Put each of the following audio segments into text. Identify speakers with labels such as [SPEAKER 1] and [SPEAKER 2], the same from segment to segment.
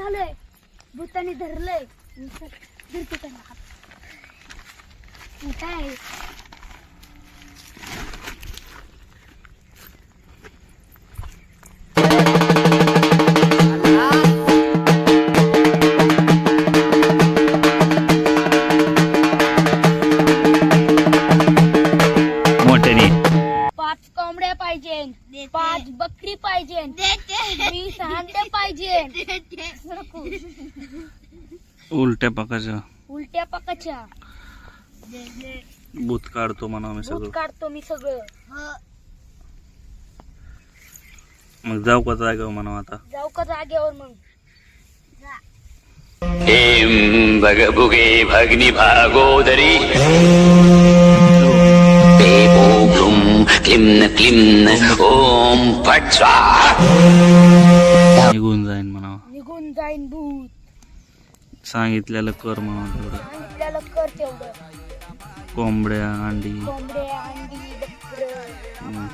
[SPEAKER 1] झालंय, भूताने धरलंय. धरते त्यांना हात. काय
[SPEAKER 2] मोठ्याने
[SPEAKER 1] 5 कोंबड्या पाहिजे, 5 बकरी पाहिजे, 20 अंडे पाहिजे.
[SPEAKER 2] उलट्या पाकाच्या
[SPEAKER 1] उलट्या पाकाच्या
[SPEAKER 2] भूत काढतो म्हणा मी
[SPEAKER 1] भूत
[SPEAKER 2] सगळं.
[SPEAKER 1] काढतो मी सगळं.
[SPEAKER 2] मग जाऊ का जागेवर म्हणा आता.
[SPEAKER 1] जाऊ का जागेवर मग.
[SPEAKER 3] एम भगभुगे भग्नि भागोदरी ओम क्लिम्न क्लिम्न ओम फट स्वाहा.
[SPEAKER 2] निघून जाईन म्हणा.
[SPEAKER 1] निघून जाईन भूत.
[SPEAKER 2] सांगितलेलं कर म्हणा तेवढं.
[SPEAKER 1] सांगितलेलं कर तेवढं.
[SPEAKER 2] कोंबड्या अंडी
[SPEAKER 1] कोंबड्या अंडी बकरं.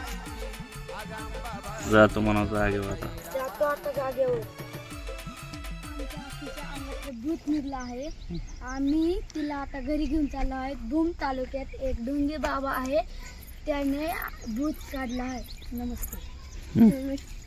[SPEAKER 2] जातो म्हणा जागेवर आता.
[SPEAKER 1] जातो आता जागेवर. आमच्या आजीच्या अंगातलं भूत निघलं आहे. आम्ही तिला आता घरी घेऊन चाललो आहे. भूम तालुक्यात एक ढोंगे बाबा आहे, त्याने भूत काढला आहे. नमस्ते.